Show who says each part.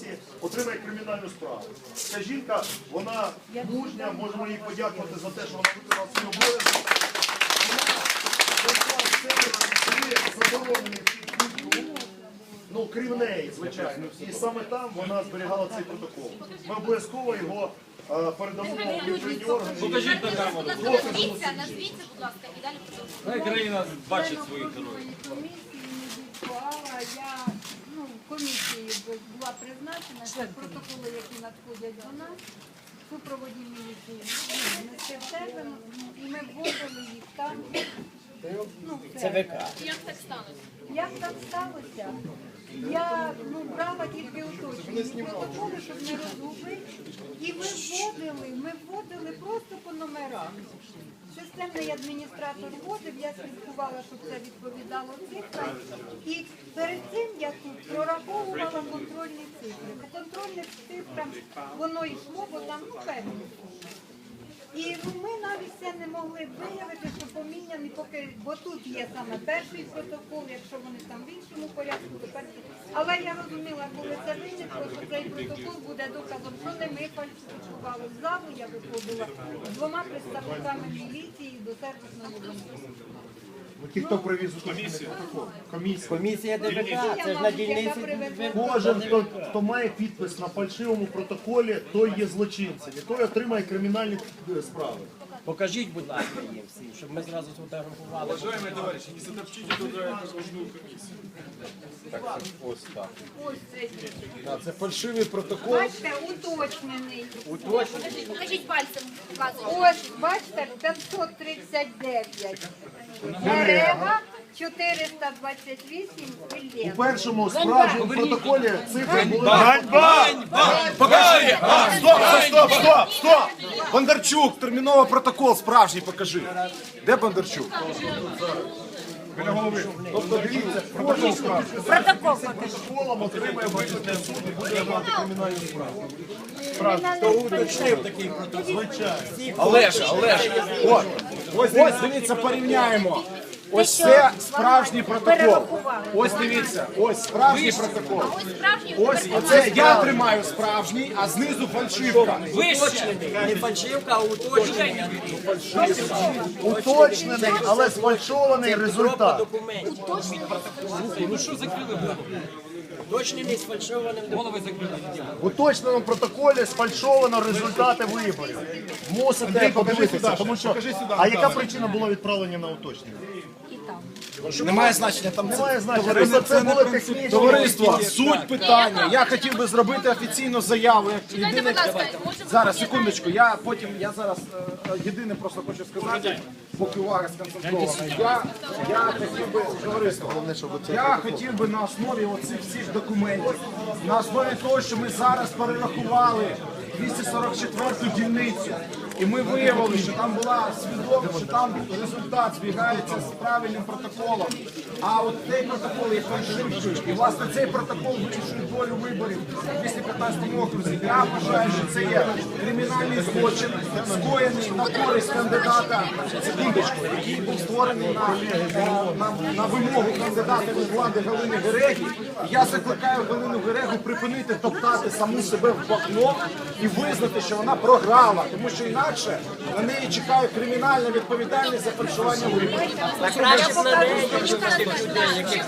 Speaker 1: отримає кримінальну справу. Ця жінка, вона мужня, можемо їй подякувати за те, що вона виконала свій обов'язок. Заборонений ну, крім неї, звичайно. І саме там вона зберігала цей протокол. Ми обов'язково його передамо в відповідні органи.
Speaker 2: Покажіть на камеру.
Speaker 3: Назвіться, будь ласка, і далі продовжуємо.
Speaker 2: Хай країна бачить своїх героїв.
Speaker 4: Я комісією була призначена, що протоколи, які надходять до нас, в супроводі міліції, нести в себе, і ми вводили їх там.
Speaker 3: Як так сталося?
Speaker 4: Як так сталося? Я брала тільки уточнені протоколи, щоб не розгубити, і ми вводили просто по номерах. Системний адміністратор вводив, я слідкувала, щоб це відповідало цифрам. І перед цим я тут прораховувала контрольні цифри. По контрольних цифрам воно йшло, бо там певні. І ми навіть це не могли виявити, що поміняні, поки, бо тут є саме перший протокол, якщо вони там в іншому порядку, то перший. Але я розуміла, коли це виникло, що цей протокол буде доказом, що не ми фальсифікували. В залу я виходила з двома представниками міліції до сервісного дому.
Speaker 1: Ті, хто привіз уточнений протокол.
Speaker 5: Комісія ДВК, це ж на дільниці.
Speaker 1: Кожен, хто має підпис на фальшивому протоколі, той є злочинцем. І той отримає кримінальні справи.
Speaker 5: Покажіть, будь ласка, їм всім, щоб ми зразу сфотографували.
Speaker 6: Уважаемые товарищи, не затопчите другую окружную комиссию.
Speaker 1: Ось так.
Speaker 4: Ось цей.
Speaker 1: Це фальшивий протокол.
Speaker 4: Бачите, уточнений.
Speaker 3: Покажіть пальцем.
Speaker 4: Ось, бачите, 539. Дерева 428
Speaker 1: У
Speaker 4: Іллєв.
Speaker 1: першому справжньому протоколі цифри були...
Speaker 6: Покажи! Стоп! Бондарчук, терміново протокол справжній покажи. Де Бондарчук? Біля голови.
Speaker 1: Тобто, дивіться, кожен протоколом отримає вичерпний суд і буде мати кримінальну справу.
Speaker 5: Хто уточнив такий протокол?
Speaker 6: Олеж, ось дивіться, порівняємо. Ось це справжній протокол. Ось дивіться, ось справжній протокол. Ось оце я тримаю справжній, а знизу фальшивка.
Speaker 5: Уточнений. Не фальшивка, а уточнення.
Speaker 1: Уточнений, але сфальшований результат.
Speaker 5: Документів.
Speaker 2: Ну що закрили голову?
Speaker 5: Уточнений з фальшованим
Speaker 2: Голови закрили.
Speaker 1: В уточненому протоколі сфальшовано результати виборів. Мусите подивитися, тому що... А яка причина була відправлення на уточнення?
Speaker 6: Немає значення, там
Speaker 1: Немає значення, просто це були технічні...
Speaker 6: товариство, суть питання. Я хотів би зробити офіційну заяву. Як
Speaker 3: Чекайте,
Speaker 6: єдине...
Speaker 3: будь ласка, можемо...
Speaker 6: Зараз, секундочку, я зараз єдине просто хочу сказати, поки увага сконцентрована. Я хотів би, товариство, я хотів би на основі оцих всіх документів, на основі того, що ми зараз перерахували 244-ту дільницю, і ми виявили, що там була свідомо, що там результат збігається з правильним протоколом. А от цей протокол є фальшивкою. І власне цей протокол вирішує долю виборів у 215 окрузі. Я вважаю, що це є кримінальний злочин, скоєний на користь кандидата, секундочку, який був створений на вимогу кандидата від влади Галини Гереги. І я закликаю Галину Герегу припинити топтати саму себе в бахно і визнати, що вона програла, тому що інакше на неї чекає кримінальна відповідальність за фальшування виборів.
Speaker 5: Краще б на неї, ніж на тих людей, яких